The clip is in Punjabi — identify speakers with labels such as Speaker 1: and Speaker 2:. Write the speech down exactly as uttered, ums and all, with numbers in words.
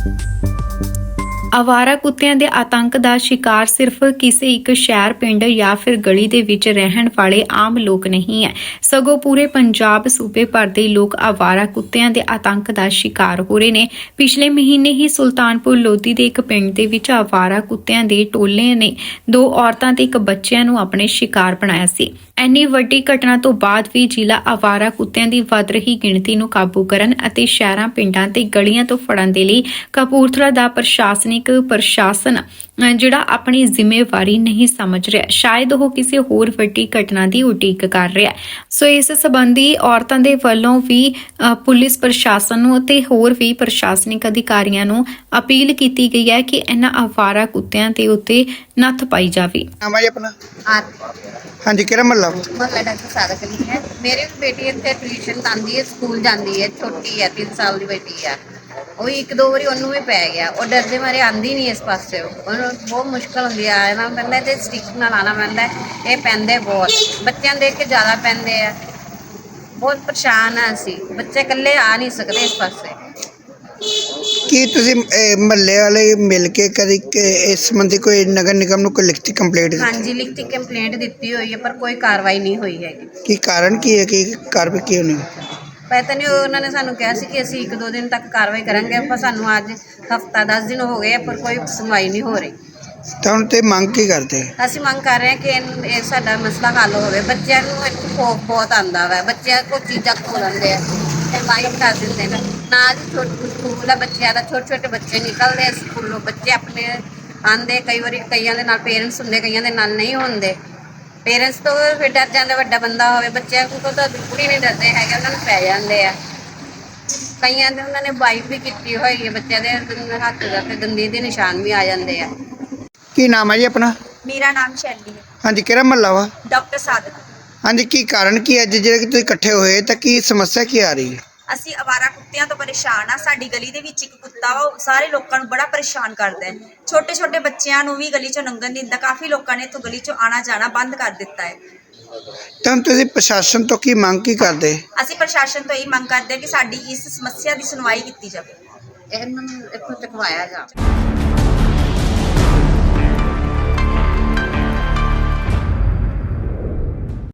Speaker 1: ਆਵਾਰਾ ਕੁੱਤਿਆਂ ਦੇ ਆਤੰਕ ਦਾ ਸ਼ਿਕਾਰ ਸਿਰਫ ਕਿਸੇ ਇੱਕ ਸ਼ਹਿਰ, ਪਿੰਡ ਜਾਂ ਫਿਰ ਗਲੀ ਦੇ ਵਿੱਚ ਰਹਿਣ ਵਾਲੇ ਆਮ ਲੋਕ ਨਹੀਂ ਹੈ, ਸਗੋਂ ਪੂਰੇ ਪੰਜਾਬ ਸੂਬੇ ਭਰ ਦੇ ਲੋਕ ਆਵਾਰਾ ਕੁੱਤਿਆਂ ਦੇ ਆਤੰਕ ਦਾ ਸ਼ਿਕਾਰ ਹੋ ਰਹੇ ਨੇ। ਪਿਛਲੇ ਮਹੀਨੇ ਹੀ ਸੁਲਤਾਨਪੁਰ ਲੋਧੀ ਦੇ ਇੱਕ ਪਿੰਡ ਦੇ ਵਿੱਚ ਆਵਾਰਾ ਕੁੱਤਿਆਂ ਦੇ ਟੋਲੇ ਨੇ ਦੋ ਔਰਤਾਂ ਤੇ ਇੱਕ ਬੱਚਿਆਂ ਨੂੰ ਆਪਣੇ ਸ਼ਿਕਾਰ ਬਣਾਇਆ ਸੀ। ਇੰਨੀ ਵੱਡੀ ਘਟਨਾ ਤੋਂ ਬਾਅਦ ਵੀ ਜ਼ਿਲ੍ਹਾ ਆਵਾਰਾ ਕੁੱਤਿਆਂ ਦੀ ਵੱਧ ਰਹੀ ਗਿਣਤੀ ਨੂੰ ਕਾਬੂ ਕਰਨ ਅਤੇ ਸ਼ਹਿਰਾਂ, ਪਿੰਡਾਂ ਤੇ ਗਲੀਆਂ ਤੋਂ ਫੜਨ ਦੇ ਲਈ ਕਪੂਰਥਲਾ ਦਾ ਪ੍ਰਸ਼ਾਸਨਿਕ ਪ੍ਰਸ਼ਾਸਨ ਜਿਹੜਾ ਆਪਣੀ ਜ਼ਿੰਮੇਵਾਰੀ ਨਹੀਂ ਸਮਝ ਰਿਹਾ। ਸ਼ਾਇਦ ਉਹ ਕਿਸੇ ਹੋਰ ਵੱਡੀ ਘਟਨਾ ਦੀ ਉਡੀਕ ਕਰ ਰਿਹਾ। ਸੋ ਇਸ ਸੰਬੰਧੀ ਔਰਤਾਂ ਦੇ ਵੱਲੋਂ ਵੀ ਅ, ਪੁਲਿਸ ਪ੍ਰਸ਼ਾਸਨ ਨੂੰ ਅਤੇ ਹੋਰ ਵੀ ਪ੍ਰਸ਼ਾਸਨਿਕ ਅਧਿਕਾਰੀਆਂ ਨੂੰ ਅਪੀਲ ਕੀਤੀ ਗਈ ਹੈ ਕਿ ਇਹਨਾਂ ਆਵਾਰਾ ਕੁੱਤਿਆਂ ਦੇ ਉੱਤੇ ਨੱਥ ਪਾਈ ਜਾਵੇ।
Speaker 2: ਨਾਮ ਹੈ ਜੀ ਆਪਣਾ?
Speaker 3: हाँ
Speaker 2: ਹਾਂਜੀ, ਕਿਹੜਾ ਮਹੱਲਾ?
Speaker 3: मोहल्ला डॉक्टर सादक अली है। मेरी बेटी इतने ट्यूशन आती है, स्कूल जाती है, छोटी है, तीन साल की बेटी है। वो एक दो बारी उन्होंने भी पै गया, और डरते मारे आती नहीं इस पास। बहुत मुश्किल होंगी है, आना पैंदा ते स्टिक नाल आना पैंदा। ये पैंदे बहुत बच्चों देख के ज़्यादा पैंदे है। बहुत परेशान है असी बच्चे कल्ले आ नहीं सकते इस पासे।
Speaker 2: ਕੀ ਤੁਸੀਂ ਮਹੱਲੇ ਵਾਲੇ ਮਿਲ ਕੇ ਕਦੀ ਕਿ ਇਸ ਸੰਬੰਧੀ ਕੋਈ ਨਗਰ ਨਿਗਮ ਨੂੰ ਕੋਈ ਲਿਖਤੀ ਕੰਪਲੇਂਟ
Speaker 3: हाँ
Speaker 2: ਦਿੱਤੀ?
Speaker 3: जी, लिखती कंप्लेंट दी हुई है पर कोई कार्रवाई नहीं हुई है।
Speaker 2: ਕੀ ਕਾਰਨ ਕੀ ਹੈ ਕਿ ਕਾਰਵਾਈ ਕਿਉਂ ਨਹੀਂ?
Speaker 3: पता नहीं, उन्होंने सानू कहा सी कि असी एक दो दिन तक कार्रवाई करेंगे, पर सानू अज हफ्ता दस दिन हो गए पर कोई सुनवाई नहीं हो रही।
Speaker 2: ਤਾਂ ਹੁਣ ਤੇ ਮੰਗ ਕੀ ਕਰਦੇ?
Speaker 3: ਅਸੀਂ ਮੰਗ ਕਰ ਰਹੇ ਹਾਂ ਕਿ ਇਨ- ਇਹ ਸਾਡਾ ਮਸਲਾ ਹੱਲ ਹੋਵੇ। ਬੱਚਿਆਂ ਨੂੰ ਇੱਕ ਖੌਫ ਬਹੁਤ ਆਉਂਦਾ ਵਾ, ਬੱਚਿਆਂ ਕੋਲ ਚੀਜ਼ਾਂ ਖੋਹ ਲੈਂਦੇ ਆ ਤੇ ਲਾਈਟ ਕਰ ਦਿੰਦੇ ਨੇ। ਨਾਲ ਹੀ ਛੋਟੇ ਸਕੂਲ ਆ ਬੱਚਿਆਂ ਦਾ, ਛੋਟੇ ਛੋਟੇ ਬੱਚੇ ਨਿਕਲਦੇ ਆ ਸਕੂਲੋਂ, ਬੱਚੇ ਆਪਣੇ ਆਉਂਦੇ, ਕਈ ਵਾਰੀ ਕਈਆਂ ਦੇ ਨਾਲ ਪੇਰੈਂਟਸ ਹੁੰਦੇ, ਕਈਆਂ ਦੇ ਨਾਲ ਨਹੀਂ ਹੁੰਦੇ। ਪੇਰੈਂਟਸ ਤੋਂ ਫਿਰ ਡਰ ਜਾਂਦੇ, ਵੱਡਾ ਬੰਦਾ ਹੋਵੇ, ਬੱਚਿਆਂ ਕੋਲ ਤਾਂ ਬਿਲਕੁਲ ਹੀ ਨਹੀਂ ਡਰਦੇ ਹੈਗੇ, ਉਹਨਾਂ ਨੂੰ ਪੈ ਜਾਂਦੇ ਆ। ਕਈਆਂ ਦੇ ਉਹਨਾਂ ਨੇ ਵਾਈਪ ਵੀ ਕੀਤੀ ਹੋਈ ਹੈ, ਬੱਚਿਆਂ ਦੇ ਹੱਥ ਦਾ ਤੇ ਦੰਦੀ ਦੇ ਨਿਸ਼ਾਨ ਵੀ ਆ ਜਾਂਦੇ ਆ।
Speaker 2: ਕੀ ਨਾਮ ਹੈ ਜੀ ਆਪਣਾ?
Speaker 4: मेरा नाम शैली है।
Speaker 2: ਹਾਂਜੀ, ਕਿਹੜਾ ਮਹੱਲਾ ਵਾ?
Speaker 4: डॉक्टर सादक।
Speaker 2: ਹਾਂਜੀ, ਕੀ ਕਾਰਨ ਕੀ ਅੱਜ ਜਿਹੜੇ ਕਿ ਤੁਸੀਂ ਇਕੱਠੇ ਹੋਏ ਤਾਂ ਕੀ ਸਮੱਸਿਆ ਕੀ ਆ ਰਹੀ ਹੈ?
Speaker 4: ਅਸੀਂ ਅਵਾਰਾ ਕੁੱਤਿਆਂ ਤੋਂ ਪਰੇਸ਼ਾਨ ਆ। ਸਾਡੀ ਗਲੀ ਦੇ ਵਿੱਚ ਇੱਕ ਕੁੱਤਾ ਵਾ, ਉਹ ਸਾਰੇ ਲੋਕਾਂ ਨੂੰ ਬੜਾ ਪਰੇਸ਼ਾਨ ਕਰਦਾ ਹੈ। ਛੋਟੇ ਛੋਟੇ ਬੱਚਿਆਂ ਨੂੰ ਵੀ ਗਲੀ ਚੋਂ ਲੰਘਣ ਨਹੀਂ ਦਿੰਦਾ। ਕਾਫੀ ਲੋਕਾਂ ਨੇ ਇੱਥੋਂ ਗਲੀ ਚੋਂ ਆਣਾ ਜਾਣਾ ਬੰਦ ਕਰ ਦਿੱਤਾ ਹੈ।
Speaker 2: ਤਾਂ ਹੁਣ ਤੁਸੀਂ ਪ੍ਰਸ਼ਾਸਨ ਤੋਂ ਕੀ ਮੰਗ ਕੀ ਕਰਦੇ?
Speaker 4: ਅਸੀਂ ਪ੍ਰਸ਼ਾਸਨ ਤੋਂ ਇਹ ਮੰਗ ਕਰਦੇ ਹਾਂ ਕਿ ਸਾਡੀ ਇਸ ਸਮੱਸਿਆ ਦੀ ਸੁਣਵਾਈ ਕੀਤੀ ਜਾਵੇ।
Speaker 3: ਇਹਨਾਂ ਨੂੰ ਇੱਥੋਂ ਚੁਕਵਾਇਆ ਜਾ।